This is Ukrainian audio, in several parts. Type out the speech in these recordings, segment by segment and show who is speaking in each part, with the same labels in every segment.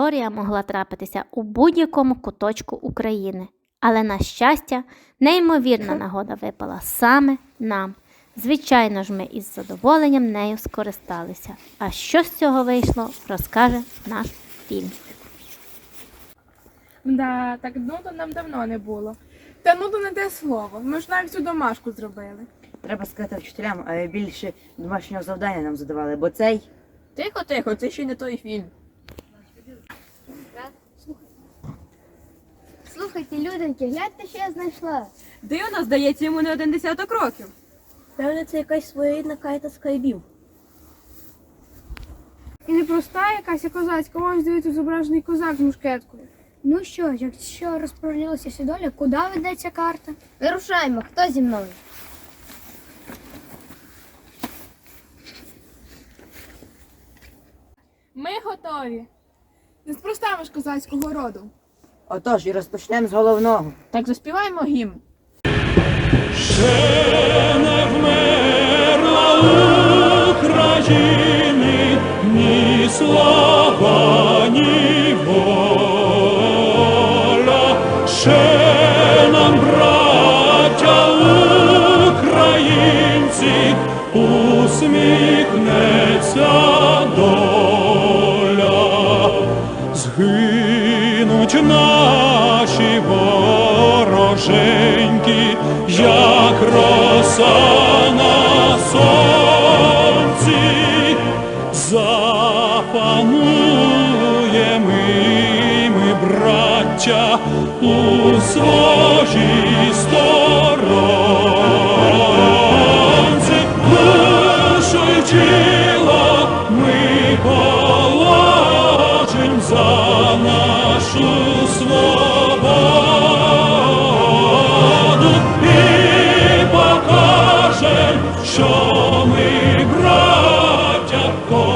Speaker 1: історія могла трапитися у будь-якому куточку України. Але, на щастя, неймовірна нагода випала саме нам. Звичайно ж, ми із задоволенням нею скористалися. А що з цього вийшло, розкаже наш фільм.
Speaker 2: Да, так нудо нам давно не було. Та нудо не те слово, ми ж навіть всю домашку зробили.
Speaker 3: Треба сказати вчителям, а більше домашнього завдання нам задавали, бо цей...
Speaker 4: Тихо, це ще не той фільм.
Speaker 5: Слухайте, люденьки, гляньте, що я знайшла.
Speaker 4: Дивно, здається, йому не 10 років.
Speaker 5: Певне, це якась своєрідна кайта скайбів.
Speaker 2: І не проста якась а козацька, ось дивіться, зображений козак з мушкеткою.
Speaker 5: Ну що, якщо розподілилася всі доля, куди ведеться карта? Вирушаємо, хто зі мною?
Speaker 2: Ми готові. Неспроста ми ж козацького роду.
Speaker 3: Отож, і розпочнемо з головного.
Speaker 4: Так заспіваємо гімн.
Speaker 6: Ще не вмерла України ні слава, ні воля. Ще нам, браття українці, усміхнеться доля. Згинуть наші вороженьки, як роса на сонці, запануємо ми, браття, у своїй сторонці. Душу й тіло ми положим за нашу свободу і покажем, що ми браття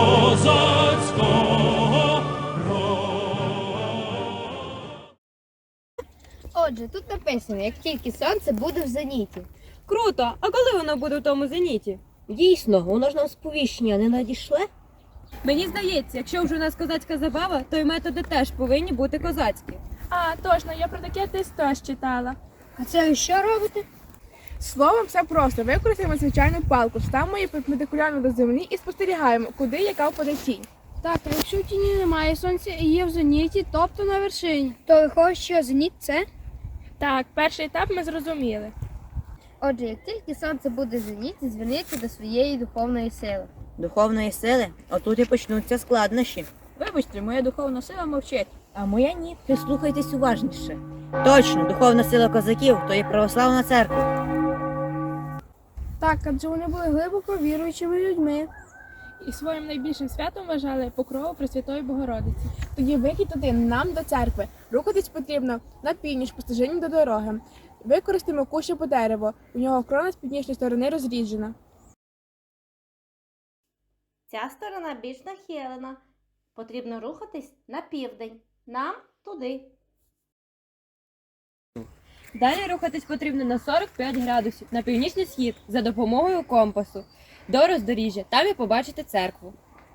Speaker 6: козацького роду.
Speaker 5: Отже, тут написано, як тільки сонце буде в зеніті.
Speaker 4: Круто! А коли воно буде в тому зеніті?
Speaker 7: Дійсно, воно ж нам сповіщення не надійшле?
Speaker 4: Мені здається, якщо вже у нас козацька забава, то й методи теж повинні бути козацькі.
Speaker 2: А, точно, я про таке десь теж читала.
Speaker 5: А це ви що робите?
Speaker 2: Словом, все просто. Використаємо звичайну палку, ставимо її перпендикулярно до землі і спостерігаємо, куди яка впаде тінь.
Speaker 8: Так, а якщо в тіні немає, сонце і є в зеніті, тобто на вершині.
Speaker 5: То виходить, що зеніт це?
Speaker 2: Так, перший етап ми зрозуміли.
Speaker 5: Отже, як тільки сонце буде в зеніті, зверніться до своєї духовної сили.
Speaker 3: Духовної сили, отут і почнуться складнощі.
Speaker 4: Вибачте, моя духовна сила мовчить.
Speaker 7: А моя ні. Прислухайтесь уважніше.
Speaker 3: Точно, духовна сила козаків – то є православна церква.
Speaker 8: Так, адже вони були глибоко віруючими людьми.
Speaker 2: І своїм найбільшим святом вважали покрову Пресвятої Богородиці. Тоді вихід один нам до церкви. Рухатись потрібно на північ по стежині до дороги. Використаємо кущ або дерево. У нього крона з північної сторони розріджена.
Speaker 1: Ця сторона більш нахилена. Потрібно рухатись на південь. Нам туди.
Speaker 4: Далі рухатись потрібно на 45 градусів на північний схід за допомогою компасу. До роздоріжжя, там і побачите церкву.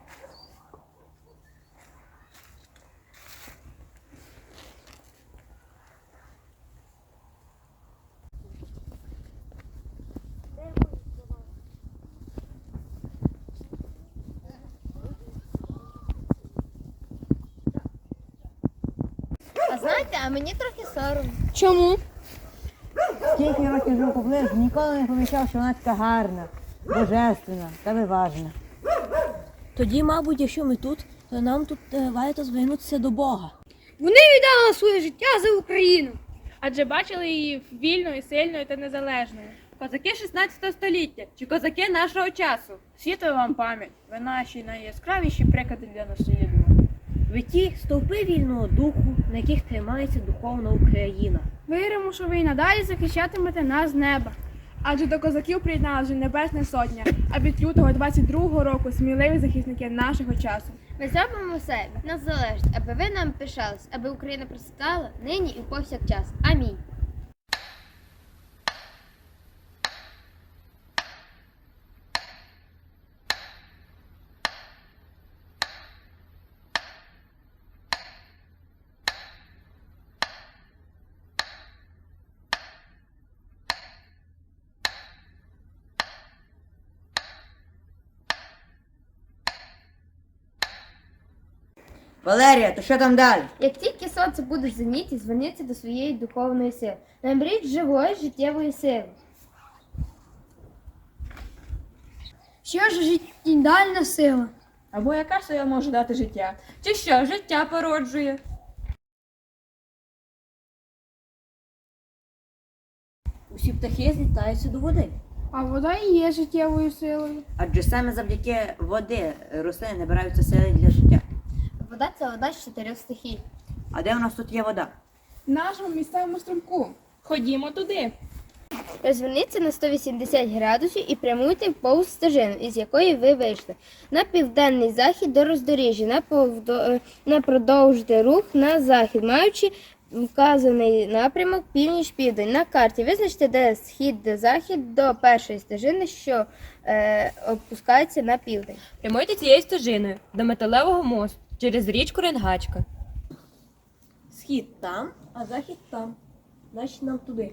Speaker 5: А знаєте, а мені трохи соромно.
Speaker 8: Чому?
Speaker 7: Скільки років живу поблизу, ніколи не помічав, що вона така гарна, божественна та виважена. Тоді, мабуть, якщо ми тут, то нам тут варто звернутися до Бога.
Speaker 8: Вони віддали своє життя за Україну.
Speaker 2: Адже бачили її вільною, сильною та незалежною.
Speaker 4: Козаки 16 століття чи козаки нашого часу?
Speaker 2: Світла вам пам'ять, ви наші найяскравіші приклади для наслідування.
Speaker 7: Ви ті стовпи вільного духу, на яких тримається духовна Україна.
Speaker 8: Віримо, що ви і надалі захищатимете нас з неба.
Speaker 2: Адже до козаків приєдналася Небесна Сотня, а від лютого 22-го року сміливі захисники нашого часу.
Speaker 5: Ми зробимо все від нас залежить, аби ви нам пишались, аби Україна процвітала нині і повсякчас. Амінь.
Speaker 3: Валерія, то що там далі?
Speaker 5: Як тільки сонце буде в зеніті, зверніться до своєї духовної сили. Наберіть живої життєвої сили.
Speaker 8: Що ж життєдальна сила?
Speaker 4: Або яка сила може дати життя? Чи що життя породжує?
Speaker 7: Усі птахи злітаються до води.
Speaker 8: А вода і є життєвою силою.
Speaker 3: Адже саме завдяки води рослини набираються сили для життя.
Speaker 5: Вода це вода з 4 стихій.
Speaker 3: А де у нас тут є вода?
Speaker 2: В нашому місцевому струмку. Ходімо туди.
Speaker 5: Розверніться на 180 градусів і прямуйте повз стежину, із якої ви вийшли. На південний захід до роздоріжжя, на продовжити рух на захід, маючи вказаний напрямок північ-південь. На карті визначте, де схід, де захід до першої стежини, що опускається на південь.
Speaker 4: Прямуйте цією стежиною до металевого мосту через річку Ренгачка.
Speaker 7: Схід там, а захід там. Значить нам туди.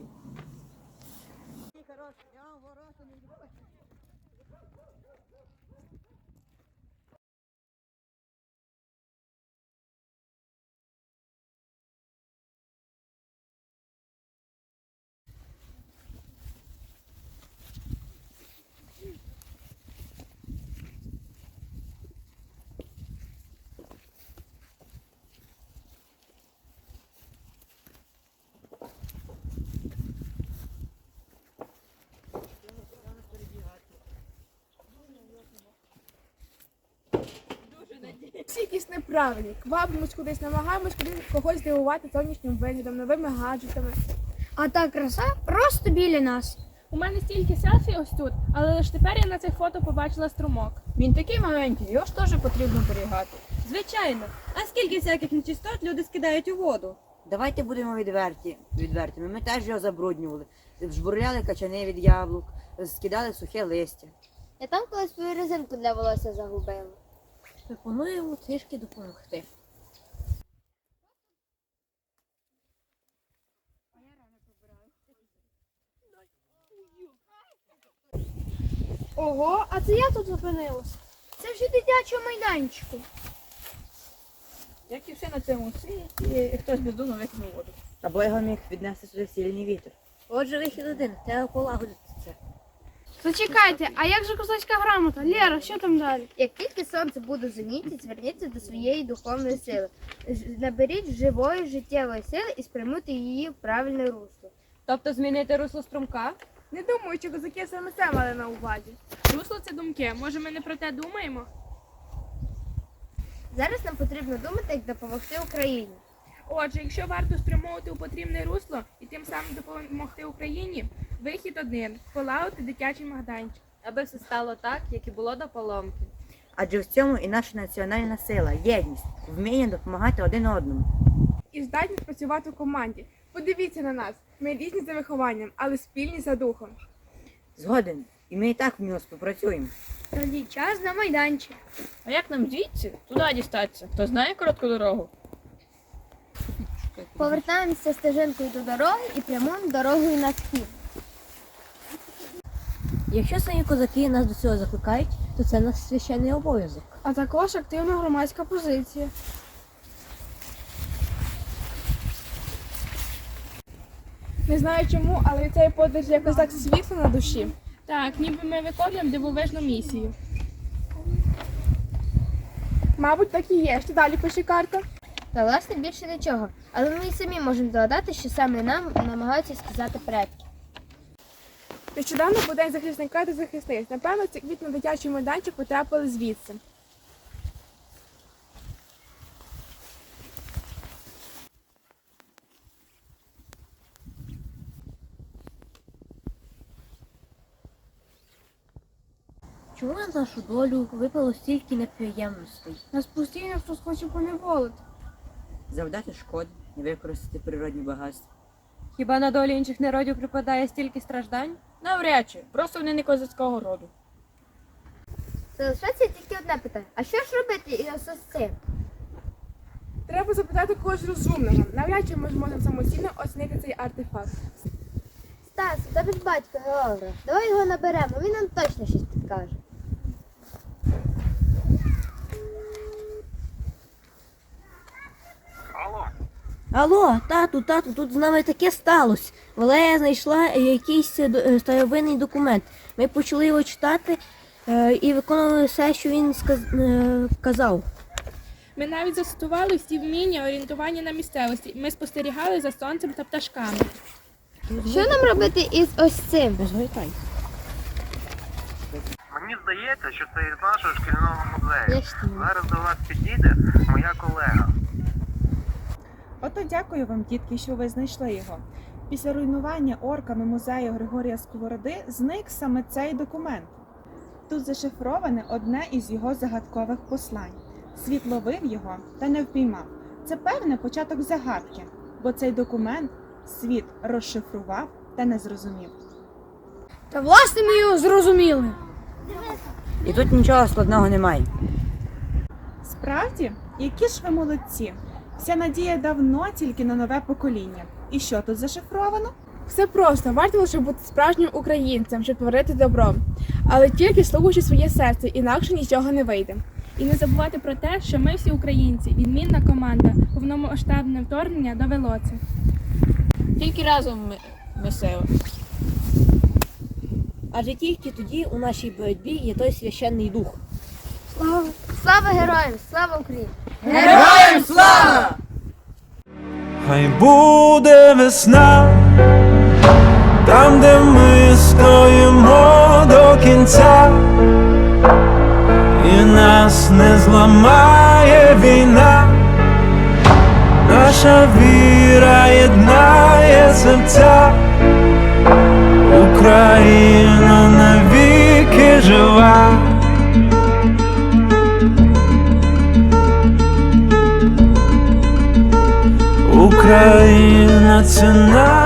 Speaker 2: Всі якісь неправильні. Квапимось кудись, намагаємось когось здивувати зовнішнім виглядом, новими гаджетами.
Speaker 8: А та краса просто біля нас.
Speaker 2: У мене стільки селфі ось тут, але лише тепер я на цих фото побачила струмок.
Speaker 9: Він такий маленький, його ж теж потрібно берігати.
Speaker 4: Звичайно. А скільки всяких нечистот люди скидають у воду?
Speaker 3: Давайте будемо відвертими. Ми теж його забруднювали. Жбурляли качани від яблук, скидали сухе листя.
Speaker 5: Я там колись свою резинку для волосся загубила.
Speaker 7: Пропонуємо трішки допомогти.
Speaker 8: Ого, а це я тут зупинилась. Це вже дитячого майданчику.
Speaker 9: Як і все на цьому світі, хтось бездумно викинув воду.
Speaker 3: Або його міг віднести сюди сильний вітер.
Speaker 7: Отже, вихід один. Треба полагодити це.
Speaker 8: Зачекайте, а як же козацька грамота? Лєра, що там далі?
Speaker 5: Як тільки сонце буде в зеніті, зверніться до своєї духовної сили. Наберіть живої життєвої сили і спрямуйте її в правильне русло.
Speaker 4: Тобто змінити русло струмка?
Speaker 2: Не думаю, що козаки саме це мали на увазі. Русло це думки. Може, ми не про те думаємо?
Speaker 5: Зараз нам потрібно думати, як допомогти Україні.
Speaker 2: Отже, якщо варто спрямовувати у потрібне русло і тим самим допомогти Україні, вихід один – полагодити дитячий майданчик.
Speaker 4: Аби все стало так, як і було до поломки.
Speaker 3: Адже в цьому і наша національна сила, єдність, вміння допомагати один одному.
Speaker 2: І здатність працювати в команді. Подивіться на нас. Ми різні за вихованням, але спільні за духом.
Speaker 3: Згоден. І ми і так в нього співпрацюємо.
Speaker 8: Тоді час на майданчик.
Speaker 9: А як нам звідси туди дістатися? Хто знає коротку дорогу?
Speaker 5: Повертаємося стежинкою до дороги і прямуємо дорогою на схід.
Speaker 7: Якщо самі козаки нас до цього закликають, то це наш священний обов'язок.
Speaker 8: А також активна громадська позиція.
Speaker 2: Не знаю чому, але від цієї подорожі якось так світло на душі. Так, ніби ми виконуємо дивовижну місію. Мабуть, так і є. Що далі пише карта?
Speaker 5: Та власне більше нічого. Але ми і самі можемо догадати, що саме нам намагаються сказати предки.
Speaker 2: Нещодавно був день захисника та захисниць. Напевно, ці квіти на дитячий майданчик потрапили звідси.
Speaker 7: Чому на нашу долю випало стільки неприємностей?
Speaker 8: Нас постійно хтось хоче поневолити.
Speaker 3: Завдати шкоди, не використати природні багатства.
Speaker 4: Хіба на долі інших народів припадає стільки страждань?
Speaker 9: Навряд чи, просто вони не козацького роду.
Speaker 5: Залишається тільки одне питання. А що ж робити із цим?
Speaker 2: Треба запитати когось розумного. Навряд чи ми зможемо самостійно оцінити цей артефакт.
Speaker 5: Стас, у тебе ж батько географ. Давай його наберемо, він нам точно щось підкаже.
Speaker 7: Алло, тату, тут з нами таке сталося. Валерія знайшла якийсь старовинний документ. Ми почали його читати і виконували все, що він казав.
Speaker 2: Ми навіть застосували всі вміння орієнтування на місцевості. Ми спостерігали за сонцем та пташками.
Speaker 5: Що нам робити із ось цим?
Speaker 7: Не звертай.
Speaker 10: Мені здається, що це із нашого шкільного музею.
Speaker 5: Я ж не знаю.
Speaker 10: Зараз до вас підійде моя колега.
Speaker 11: Ото дякую вам, дітки, що ви знайшли його. Після руйнування орками музею Григорія Сковороди зник саме цей документ. Тут зашифроване одне із його загадкових послань. Світ ловив його та не впіймав. Це певне початок загадки, бо цей документ світ розшифрував та не зрозумів.
Speaker 8: Та власне ми його зрозуміли.
Speaker 3: І тут нічого складного немає.
Speaker 11: Справді, які ж ви молодці! Вся надія давно тільки на нове покоління. І що тут зашифровано?
Speaker 2: Все просто, варто лише бути справжнім українцем, щоб творити добро. Але тільки слухаючи своє серце, інакше нічого не вийде. І не забувати про те, що ми всі українці, відмінна команда, повномасштабне вторгнення довело це.
Speaker 9: Тільки разом ми сила.
Speaker 7: Адже тільки тоді у нашій боротьбі є той священний дух.
Speaker 5: Слава героям! Слава Україні!
Speaker 3: Героям слава!
Speaker 6: Хай буде весна, там, де ми стоїмо до кінця, і нас не зламає війна, наша віра єднає серця, Україна навіки жива. Україна – це наш